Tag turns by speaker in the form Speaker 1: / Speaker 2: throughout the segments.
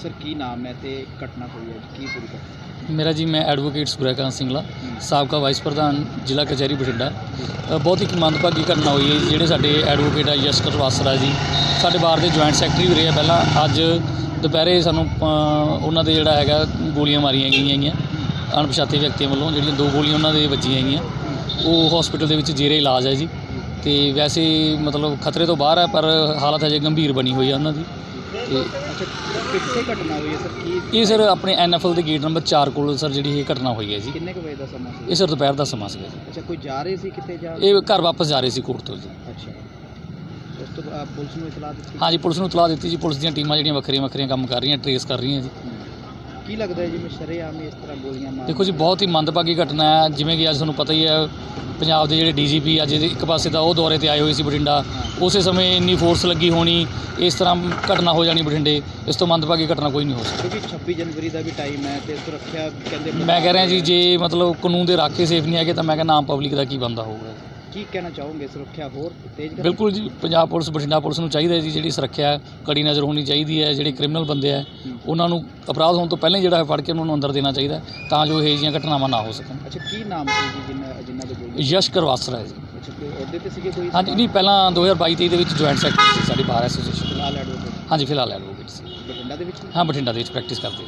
Speaker 1: Sir की नाम है तो घटना हुई है की पूरी घटना?
Speaker 2: मेरा जी मैं एडवोकेट सूर्यकांत सिंगला साबका वाइस प्रधान ਜ਼ਿਲ੍ਹਾ कचहरी बठिंडा। बहुत ही ਮੰਦਭਾਗੀ ਘਟਨਾ ਹੋਈ ਹੈ ਜਿਹੜੇ ਸਾਡੇ ਐਡਵੋਕੇਟ ਆ ਯਸ਼ਕਰ ਵਾਸਰਾ ਜੀ ਸਾਡੇ ਬਾਰ ਦੇ ਜੁਆਇੰਟ ਸੈਕਟਰੀ ਵੀ ਰਹੇ ਆ ਪਹਿਲਾਂ। ਅੱਜ ਦੁਪਹਿਰੇ ਸਾਨੂੰ ਉਹਨਾਂ ਦੇ ਜਿਹੜਾ ਹੈਗਾ ਗੋਲੀਆਂ ਮਾਰੀਆਂ ਗਈਆਂ ਹੈਗੀਆਂ ਅਣਪਛਾਤੇ ਵਿਅਕਤੀਆਂ ਵੱਲੋਂ। ਜਿਹੜੀਆਂ 2 ਗੋਲੀਆਂ ਉਹਨਾਂ ਦੇ ਵੱਜੀਆਂ ਹੈਗੀਆਂ ਉਹ ਹਸਪੀਟਲ ਦੇ ਵਿੱਚ ਜੇਰੇ ਇਲਾਜ ਹੈ ਜੀ। ਤੇ ਵੈਸੇ ਮਤਲਬ ਖਤਰੇ ਤੋਂ ਬਾਹਰ ਹੈ ਪਰ ਹਾਲਤ ਅਜੇ ਗੰਭੀਰ ਬਣੀ ਹੋਈ ਹੈ ਉਹਨਾਂ ਦੀ। ਤੇ
Speaker 1: कितने घटना हुई है सर की?
Speaker 2: ਇਹ ਸਰ ਆਪਣੇ NFL ਦੇ ਗੇਟ ਨੰਬਰ 4 ਕੋਲ ਸਰ ਜਿਹੜੀ ਇਹ ਘਟਨਾ ਹੋਈ ਹੈ ਜੀ।
Speaker 1: किन्ने बजे का समा सी?
Speaker 2: ਇਹ ਸਰ ਦੁਪਹਿਰ ਦਾ ਸਮਾਂ ਸੀਗਾ ਜੀ।
Speaker 1: अच्छा कोई जा रहे सी कितने जा?
Speaker 2: ਇਹ ਘਰ ਵਾਪਸ ਜਾ ਰਹੇ ਸੀ ਕੋਰਟ ਤੋਂ ਜੀ।
Speaker 1: अच्छा उस तो पुलिस ਨੂੰ ਇਤਲਾਹ ਦਿੱਤੀ?
Speaker 2: ਹਾਂਜੀ ਪੁਲਿਸ ਨੂੰ ਇਤਲਾਹ ਦਿੱਤੀ ਜੀ। ਪੁਲਿਸ ਦੀਆਂ ਟੀਮਾਂ ਜਿਹੜੀਆਂ ਵੱਖਰੀਆਂ ਕੰਮ ਕਰ ਰਹੀਆਂ ਟਰੇਸ ਕਰ ਰਹੀਆਂ ਜੀ।
Speaker 1: ਕੀ ਲੱਗਦਾ ਹੈ ਜਿਵੇਂ ਸ਼ਰੇਆਮ ਇਸ ਤਰ੍ਹਾਂ ਗੋਲੀਆਂ ਮਾਰ?
Speaker 2: ਦੇਖੋ ਜੀ ਬਹੁਤ ਹੀ ਮੰਦਭਾਗੀ ਘਟਨਾ ਹੈ। ਜਿਵੇਂ ਕਿ ਅੱਜ ਤੁਹਾਨੂੰ ਪਤਾ ਹੀ ਹੈ ਪੰਜਾਬ ਦੇ ਜਿਹੜੇ DGP ਅੱਜ ਇੱਕ ਪਾਸੇ ਤਾਂ ਉਹ ਦੌਰੇ ਤੇ ਆਏ ਹੋਏ ਸੀ ਬਠਿੰਡਾ। ਉਸੇ ਸਮੇਂ ਇੰਨੀ ਫੋਰਸ ਲੱਗੀ ਹੋਣੀ ਇਸ ਤਰ੍ਹਾਂ ਘਟਨਾ ਹੋ ਜਾਣੀ ਬਠਿੰਡੇ, ਇਸ ਤੋਂ ਮੰਦਭਾਗੀ ਘਟਨਾ ਕੋਈ ਨਹੀਂ ਹੋ ਸਕਦੀ।
Speaker 1: ਕਿਉਂਕਿ 26 ਜਨਵਰੀ ਦਾ ਵੀ ਟਾਈਮ ਹੈ ਤੇ ਸੁਰੱਖਿਆ ਕਹਿੰਦੇ
Speaker 2: ਮੈਂ ਕਹਿ ਰਿਹਾ ਜੀ ਜੇ ਮਤਲਬ ਕਾਨੂੰਨ ਦੇ ਰਾਖੇ ਸੇਫ ਨਹੀਂ ਹੈਗੇ ਤਾਂ ਮੈਂ ਕਹਿੰਦਾ ਆਮ ਪਬਲਿਕ ਦਾ ਕੀ ਬਣਦਾ ਹੋਊਗਾ।
Speaker 1: ਕੀ ਕਹਿਣਾ ਚਾਹੋਗੇ ਸੁਰੱਖਿਆ ਹੋਰ ਤੇਜ਼ ਕਰਨੀ?
Speaker 2: ਬਿਲਕੁਲ ਜੀ ਪੰਜਾਬ ਪੁਲਿਸ ਬਠਿੰਡਾ ਪੁਲਿਸ ਨੂੰ ਚਾਹੀਦਾ ਜੀ ਜਿਹੜੀ ਸੁਰੱਖਿਆ ਕੜੀ ਨਜ਼ਰ ਹੋਣੀ ਚਾਹੀਦੀ ਹੈ। ਜਿਹੜੇ ਕ੍ਰਿਮੀਨਲ ਬੰਦੇ ਆ ਉਹਨਾਂ ਨੂੰ ਅਪਰਾਧ ਹੋਣ ਤੋਂ ਪਹਿਲਾਂ ਹੀ ਜਿਹੜਾ ਹੈ ਫੜ ਕੇ ਉਹਨਾਂ ਨੂੰ ਅੰਦਰ ਦੇਣਾ ਚਾਹੀਦਾ ਤਾਂ ਜੋ ਇਹ ਜਿਹੀਆਂ ਘਟਨਾਵਾਂ ਨਾ ਹੋ ਸਕਣ।
Speaker 1: ਅੱਛਾ ਕੀ ਨਾਮ ਸੀ ਜੀ ਜਿਨ੍ਹਾਂ ਦੇ ਗੋਲੀ?
Speaker 2: ਯਸ਼ਕਰ ਵਾਸਰਾ ਹੈ ਜੀ।
Speaker 1: ਅੱਛਾ ਕੋਈ ਅਹੁਦੇ ਤੇ ਸੀਗੇ ਕੋਈ?
Speaker 2: ਹਾਂਜੀ ਨਹੀਂ ਪਹਿਲਾਂ 2022-23 ਦੇ ਵਿੱਚ ਜੁਆਇੰਟ ਸੈਕਟਰੀ ਸੀ ਸਾਡੀ ਬਾਰ ਐਸੋਸੀਏਸ਼ਨ।
Speaker 1: ਫਿਲਹਾਲ ਐਡਵੋਕੇਟ?
Speaker 2: ਹਾਂਜੀ ਫਿਲਹਾਲ ਐਡਵੋਕੇਟ ਸੀ।
Speaker 1: ਬਠਿੰਡਾ ਦੇ ਵਿੱਚ?
Speaker 2: ਹਾਂ ਬਠਿੰਡਾ ਦੇ ਵਿੱਚ ਪ੍ਰੈਕਟਿਸ ਕਰਦੇ।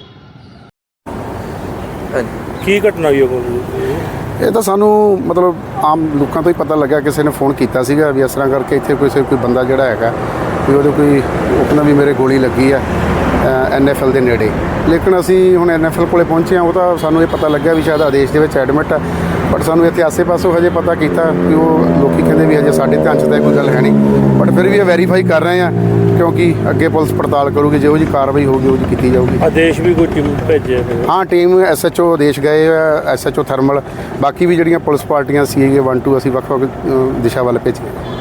Speaker 3: ਕੀ ਘਟਨਾ ਹੋਈ ਹੈ?
Speaker 4: ਇਹ ਤਾਂ ਸਾਨੂੰ ਮਤਲਬ ਆਮ ਲੋਕਾਂ ਤੋਂ ਹੀ ਪਤਾ ਲੱਗਿਆ, ਕਿਸੇ ਨੇ ਫੋਨ ਕੀਤਾ ਸੀਗਾ ਵੀ ਇਸ ਤਰ੍ਹਾਂ ਕਰਕੇ ਇੱਥੇ ਕੋਈ ਬੰਦਾ ਜਿਹੜਾ ਹੈਗਾ ਵੀ ਉਹਦੇ ਕੋਈ ਉਹ ਕਹਿੰਦਾ ਵੀ ਮੇਰੇ ਗੋਲੀ ਲੱਗੀ ਆ NFL ਦੇ ਨੇੜੇ। ਲੇਕਿਨ ਅਸੀਂ ਹੁਣ NFL ਕੋਲੇ ਪਹੁੰਚੇ ਹਾਂ, ਉਹ ਤਾਂ ਸਾਨੂੰ ਇਹ ਪਤਾ ਲੱਗਿਆ ਵੀ ਸ਼ਾਇਦ ਆਦੇਸ਼ ਦੇ ਵਿੱਚ ਐਡਮਿਟ ਆ। ਬਟ ਸਾਨੂੰ ਇੱਥੇ ਆਸੇ ਪਾਸੋਂ ਹਜੇ ਪਤਾ ਕੀਤਾ ਕਿ ਉਹ ਲੋਕੀ ਕਹਿੰਦੇ ਵੀ ਹਜੇ ਸਾਡੇ ਧਿਆਨ 'ਚ ਤਾਂ ਕੋਈ ਗੱਲ ਹੈ ਨਹੀਂ। ਬਟ ਫਿਰ ਵੀ ਇਹ ਵੈਰੀਫਾਈ ਕਰ ਰਹੇ ਹਾਂ ਕਿਉਂਕਿ ਅੱਗੇ ਪੁਲਿਸ ਪੜਤਾਲ ਕਰੂਗੀ, ਜਿਹੋ ਜਿਹੀ ਕਾਰਵਾਈ ਹੋਊਗੀ ਉਹ ਜਿਹੀ ਕੀਤੀ ਜਾਊਗੀ।
Speaker 3: ਆਦੇਸ਼ ਵੀ ਕੋਈ ਟੀਮ ਭੇਜਿਆ?
Speaker 4: ਹਾਂ ਟੀਮ SHO ਆਦੇਸ਼ ਗਏ SHO ਥਰਮਲ, ਬਾਕੀ ਵੀ ਜਿਹੜੀਆਂ ਪੁਲਿਸ ਪਾਰਟੀਆਂ CIA 1 2 ਅਸੀਂ ਵੱਖ-ਵੱਖ ਦਿਸ਼ਾ ਵੱਲ ਭੇਜੀਆਂ।